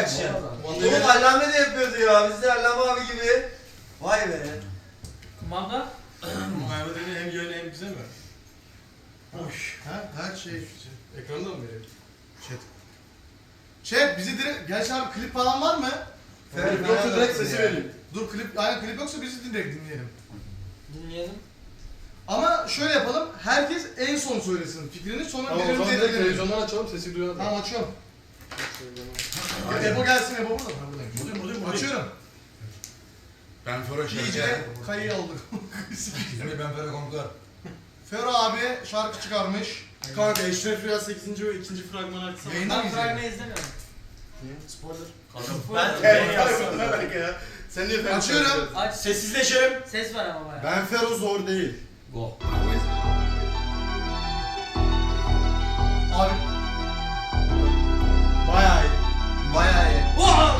reaction. Oğlum Allame de yapıyordu ya. Biz de Allame abi gibi. Vay be. Kumanda? Muhammed'in hem yönü hem bize mi? Hoş. Her şey. Ekranda mı veriyor? Chat bizi direkt... Gerçi abi klip falan var mı? Klip yoksa direkt sesi vereyim. Dur klip, aynen klip yoksa bizi direkt dinleyelim. Dinleyelim. Ama şöyle yapalım, herkes en son söylesin fikrini, sonra Tamam o zaman birbirimize direkt edelim. televizyondan açalım sesi duyalım. Tamam açıyorum. Ebo gelsin, Ebo burada mı? Buradayım. Açıyorum. Ben Fero İyice kayıyı aldık. Şimdi ben Fero komutan. Fero abi şarkı çıkarmış. Kanka Eşref Rüya 8. ve 2. fragmanı açsana. Yayında mı Ben fragmanı izleyelim? izlemiyorum. Spoiler. Ben yazsam. Ne alaka ya? Sen niye falan Açıyorum. Aç. Sessizleşelim. Ses var ama bayağı. Ben Fero zor değil. Go. Abi Bayağı iyi. Bayağı iyi.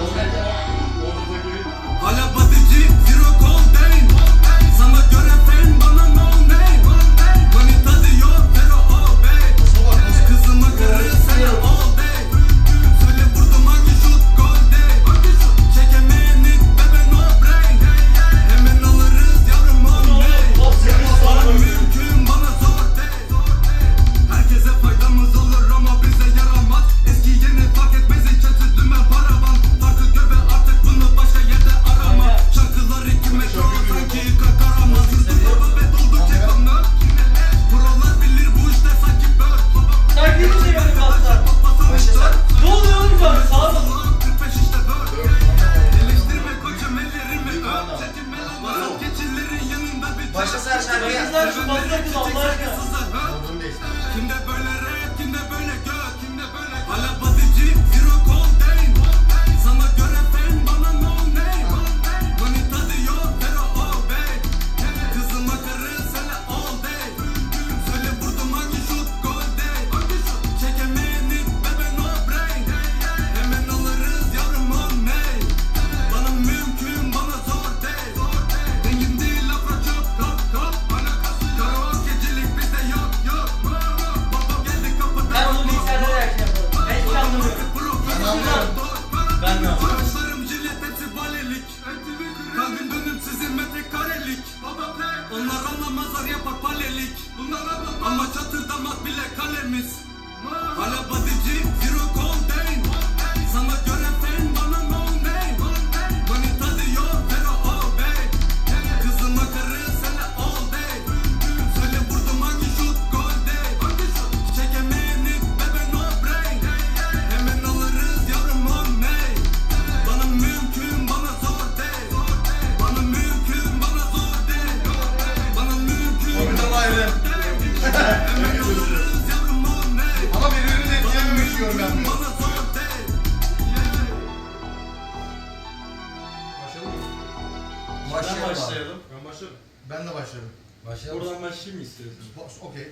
Hala batıcı, zero coldane. Sana göre fen, bana no name. Manita diyor, pero obey. Kızıma karı, sana all day. Söyle vurdum hangi şut, gol day. Çekemeyeni, bebe no brain. Hemen alırız yavrum on day. Bana mümkün, bana zor day. Herkese faydamız olur ama bize yaramaz. Eski yeni fark etmez, hiç kötü dümen paravan. Farkı gör ve artık bunu başka yerde arama. Şarkılar iki metro sanki kakarama. Sürdüm baba ve doldu kekamlar. Buralar bilir bu işte sanki bör. Sanki bir şey böyle kalktılar. Ne oluyor oğlum şu an? Sağa bak. 45 işte bör. Eleştirme koçum ellerimi öp. Çekinme lan masal geçillerin yanında bir Başlasın her şarkıya. Kızlar şu basına kız Allah aşkına. Kimde böyle rap, kimde böyle gök, kimde böyle hala batıcı, zero coldane. Sana göre fen, bana no name. Manita diyor, pero obey. Kızıma karı, sana all day. Söyle vurdum hangi şut, gol day. Çekemeyeni, bebe no brain. Hemen alırız yavrum on name. Bana mümkün, bana zor day. Dengim değil, lafra çok, top top. Karaokecilik bizde yok yok. Babam geldi kapıda. Ben onu bilgisayarda reaction yaparım. Ben hiç anlamıyorum. Ben de. Saçlarım jilet hepsi balelik. Kalbim dönüp sizin metrekarelik. Onlar anlamazlar yapar palelik. Ama çatırdamaz bile kalemiz. Hala batıcı, zero coldane. Sana göre fen, bana no name. Manita diyor, pero obey. Kızıma karı, sana all day. Söyle vurdum hangi şut, gol day. Çekemeyeni, bebe no brain. Hemen alırız yavrum on name. Bana mümkün, bana zor day. Bana mümkün, bana zor day. Bana mümkün, oradan ayrı. hemen alırız yavrum on name. Ama birbirini de etkilememek istiyorum ben. Bana zor day. Başlayalım mı? Başlayalım. Ben başlarım. Ben de başladım. Başlayalım. Buradan başlayayım mı istiyorsun? Okey.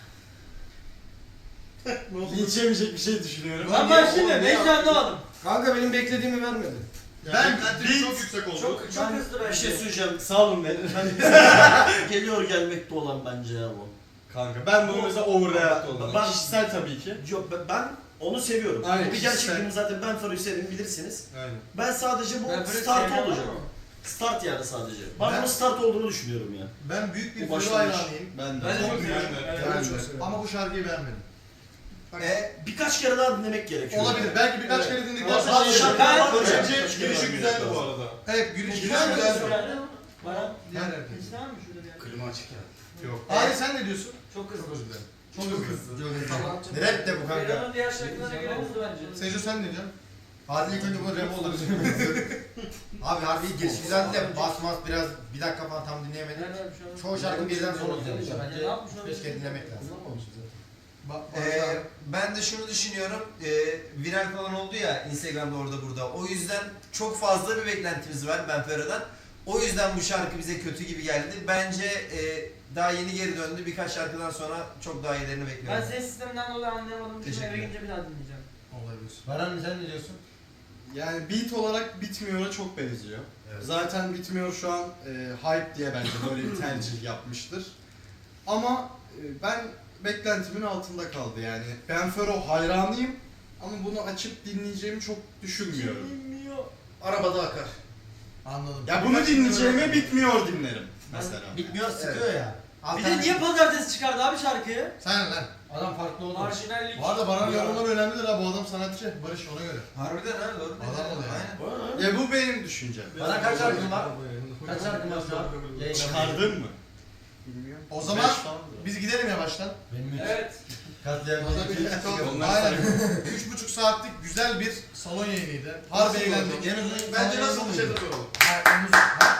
Linç yemeyecek bir şey düşünüyorum. Ben başlayayım. Ben hiç anlamadım. Kanka benim beklediğimi vermedi. Ben çok yüksek oldu. Çok hızlı Bir bence. şey söyleyeceğim. Sağ olun be. Geliyor gelmekte olan bence ya bu. Kanka ben bunu mesela overreact oldum. Ben- Kişisel tabii ki. Yok ben onu seviyorum. Aynen, Bu bir kişisel. gerçekliğimi zaten ben Fero'yu severim bilirsiniz. Aynen. Ben sadece bu Ben böyle start sevmem olacak. ama. Start yani sadece. Ben Ben- bunun start olduğunu düşünüyorum ya. Ben büyük bir Bu Fero başlangıç. hayranıyım. Ben de. Ben de çok Ben seviyorum. de. Evet. Ben de. Ama bu şarkıyı beğenmedim. Birkaç kere daha dinlemek gerekiyor. Olabilir. Belki birkaç kere dinledikten Ama sonra bazı şarkılar var Bence ya. girişi güzeldi bu arada. Evet, giriş Güzel mi? güzel. Bana. Diğer herkes. Hiç var mı şurada bir yer? Klima açık ya. Yok. Abi sen ne diyorsun? Çok hızlı. Çok hızlı. Tamam. Rap de bu kanka. Ferhan'ın diğer şarkılarına göre hızlı bence. Sejo sen ne diyorsun? Hadi ilk önce bu rap olur. Abi harbi giriş güzeldi de basmaz biraz bir dakika falan tam dinleyemedim. Çoğu şarkı birden sonra güzelmiş. Bence ne yapmış olabilir? 5 kere dinlemek lazım. Ben de şunu düşünüyorum. Viral falan oldu ya Instagram'da orada burada. O yüzden çok fazla bir beklentimiz var Ben Fero'dan. O yüzden bu şarkı bize kötü gibi geldi. Bence daha yeni geri döndü. Birkaç şarkıdan sonra çok daha iyilerini Ben bekliyorum. ses sisteminden dolayı anlayamadım. Şimdi eve Teşekkürler. gidince bir daha dinleyeceğim. Olabilir. Baran sen ne diyorsun? Yani beat olarak Bitmiyor'a çok benziyor. Evet. Zaten Bitmiyor şu an hype diye bence böyle bir tercih yapmıştır. Ama ben beklentimin altında kaldı yani. Ben Fero hayranıyım Ama bunu açıp dinleyeceğimi çok düşünmüyorum. Arabada akar. Anladım. Ya bunu dinleyeceğime bitmiyor dinlerim mesela. Bitmiyor, sıkıyor ya. Bir de niye pazartesi çıkardı abi şarkıyı? Sen lan. Adam farklı oldu. Marjinallik. Bu arada Baran yorumları önemlidir ha. Bu adam sanatçı. Barış ona göre. Harbiden ha doğru. Adam oluyor. Aynen. Ya bu benim düşüncem. Bana kaç şarkın var? Kaç şarkın var şu an? Yayın Çıkardın mı? Bilmiyorum. O zaman biz gidelim yavaştan. Benim üç. Evet. Katliam. Aynen. 3,5 saatlik güzel bir salon yayınıydı. Harbi eğlendik. En uzun Bence nasıl salon bir şey yayını. soralım.